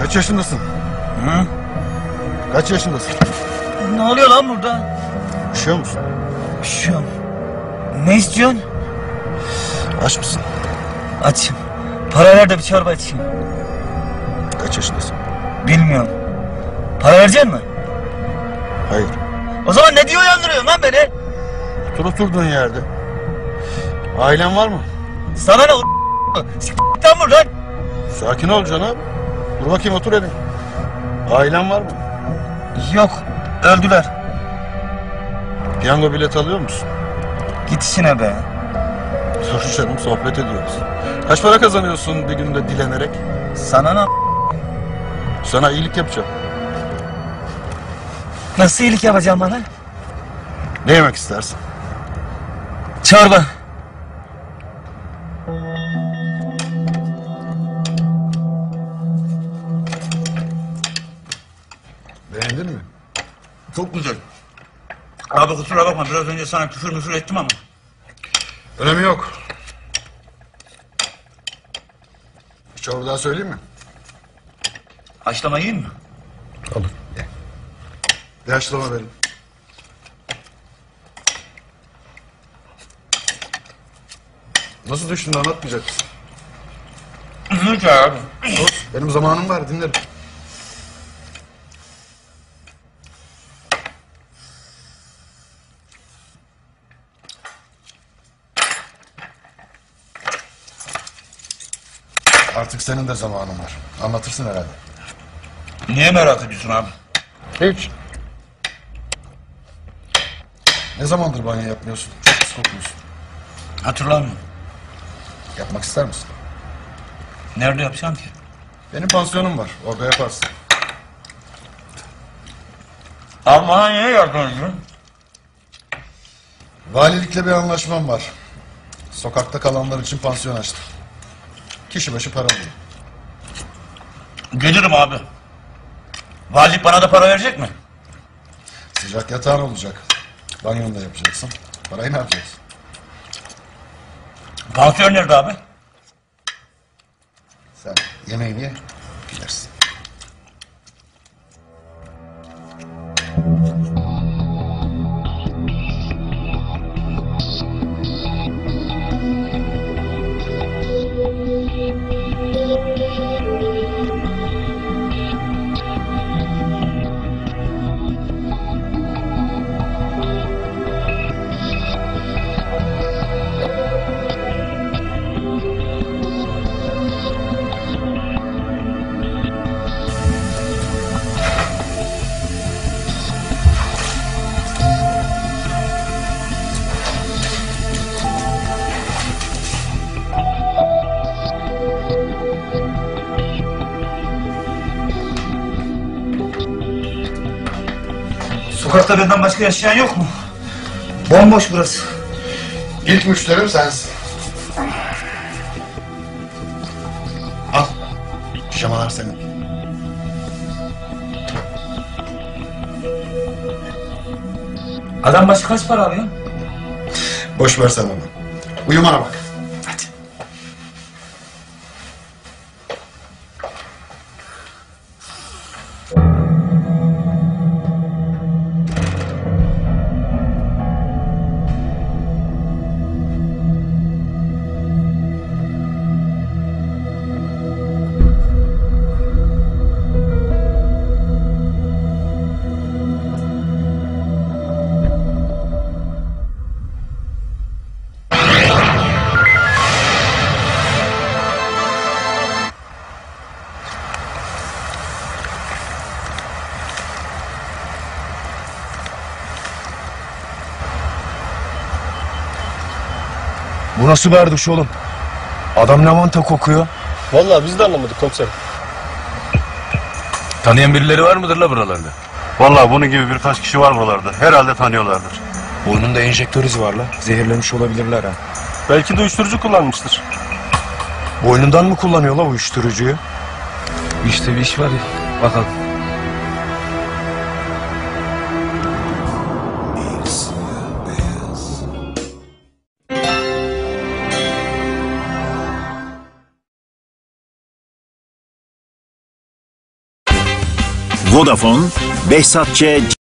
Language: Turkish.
Kaç yaşındasın? Hı? Kaç yaşındasın? Ne oluyor lan burada? Üşüyor musun? Üşüyorum. Ne istiyorsun? Aç mısın? Açım. Para ver de bir çorba içeyim. Kaç yaşındasın? Bilmiyorum. Para verecek misin? Hayır. O zaman ne diye uyandırıyorsun lan beni? Otur oturduğun yerde. Ailen var mı? Sana ne s**tan buradan. Sakin ol canım. Dur bakayım, otur hele. Ailen var mı? Yok. Öldüler. Piyango bileti alıyor musun? Git işine be. Dur canım, sohbet ediyoruz. Kaç para kazanıyorsun bir günde dilenerek? Sana ne? Sana iyilik yapacağım. Nasıl iyilik yapacağım bana? Ne yemek istersin? Çorba. Beğendin mi? Çok güzel. Abi kusura bakma, biraz önce sana küfür ettim ama. Önemi yok. Bir çorba daha söyleyeyim mi? Haşlama yiyeyim mi? Olur. Ye. Bir haşlama verin. Nasıl düştün, anlatmayacak mısın? Lütfen abi. Dur, benim zamanım var, dinlerim. Artık senin de zamanın var. Anlatırsın herhalde. Niye merak ediyorsun abi? Hiç. Ne zamandır banyo yapmıyorsun? Çok pis kokuyorsun. Hatırlamıyorum. Yapmak ister misin? Nerede yapacağım ki? Benim pansiyonum var. Orada yaparsın. Abi bana niye yardım ediyorsun? Valilikle bir anlaşmam var. Sokakta kalanlar için pansiyon açtım. Kişi başı para alıyor. Gelirim abi. Valilik bana da para verecek mi? Sıcak yatağın olacak. Banyonu da yapacaksın. Parayı ne yapacaksın? Pansiyon nerede abi? Sen yemeğini ye, gidersin. Sokakta benden başka yaşayan yok mu? Bomboş burası. İlk müşterim sensin. Al. Pijamalar senin. Adam başı kaç para alıyor? Boş ver sen onu. Uyumana bak. Hadi. Bu nasıl bir erduş oğlum? Adam lavanta kokuyor. Vallahi biz de anlamadık komiserim. Tanıyan birileri var mıdır la buralarda? Vallahi bunun gibi birkaç kişi var buralarda. Herhalde tanıyorlardır. Burnunda enjektör izi var la. Zehirlenmiş olabilirler ha. Belki de uyuşturucu kullanmıştır. Boynundan mı kullanıyor la uyuşturucuyu? İşte bir iş var ya. Bakalım. Vodafone, Behzat Ç.